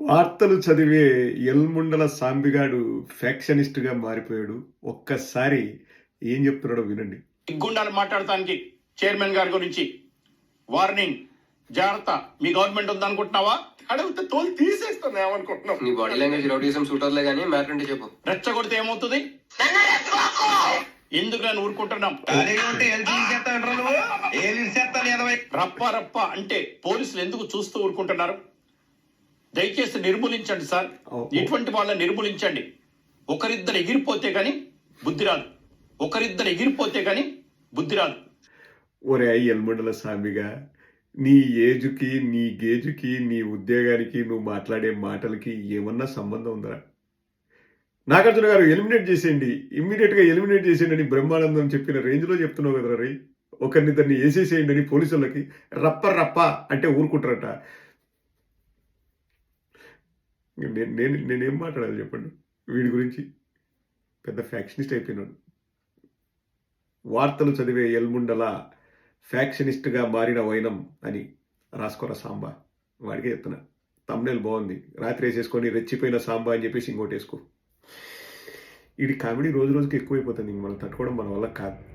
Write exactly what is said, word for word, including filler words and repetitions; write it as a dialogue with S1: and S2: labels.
S1: వార్తలు చదివే ఎల్ముండల సాంబిగాడు ఫ్యాక్షనిస్ట్‌గా మారిపోయాడు. ఒక్కసారి ఏం చెప్తున్నాడో వినండి.
S2: గుండాలు మాట్లాడటానికి చైర్మన్ గారి గురించి వార్నింగ్, జాగ్రత్త. మీ గవర్నమెంట్ ఉందనుకుంటున్నావా? అడిగితే తోలు తీసేస్తాను ఏమనుకుంటున్నావు?
S3: నీ బాడీ లాంగ్వేజ్ రౌడీజం సూటర్లే కానీ మ్యాటర్ అంటే చెప్పు.
S2: రెచ్చగొడితే ఏమవుతుంది? ఎందుకు నేను ఊరుకుంటున్నాం? రప్ప రప్ప అంటే పోలీసులు ఎందుకు చూస్తూ ఊరుకుంటున్నారు? దయచేసి నిర్మూలించండి సార్. ఇటువంటి వాళ్ళని నిర్మూలించండి. ఒకరిద్దరు ఎగిరిపోతే గాని బుద్ధి రాదు. ఒకరిద్దరు ఎగిరిపోతే గాని బుద్ధి రాదు.
S1: ఒరే ఎల్ముండల సాంబిగా, నీ ఏజుకి, నీ గేజుకి, నీ ఉద్యోగానికి, నువ్వు మాట్లాడే మాటలకి ఏమన్నా సంబంధం ఉందా? నాగార్జున గారు ఎలిమినేట్ చేసేయండి, ఇమ్మీడియట్గా ఎలిమినేట్ చేసేయండి అని బ్రహ్మానందం చెప్పిన రేంజ్లో చెప్తున్నావు కదా రై. ఒకరినిద్దరిని వేసేసేయండి అని పోలీసులకి రప్ప రప్ప అంటే ఊరుకుంటారట. నేను నేను నేనేం మాట్లాడాలి చెప్పండి వీడి గురించి? పెద్ద ఫ్యాక్షనిస్ట్ అయిపోయినాడు. వార్తలు చదివే ఎల్ముండల ఫ్యాక్షనిస్ట్గా మారిన వైనం అని రాసుకోరా సాంబా. వాడికే చెప్తున్నా. తమ్నేల్ బాగుంది, రాత్రి వేసేసుకొని రెచ్చిపోయిన సాంబా అని చెప్పేసి ఇంకోటి వేసుకో. ఇది కామెడీ రోజు రోజుకి ఎక్కువైపోతుంది, మనం తట్టుకోవడం మన వల్ల కాదు.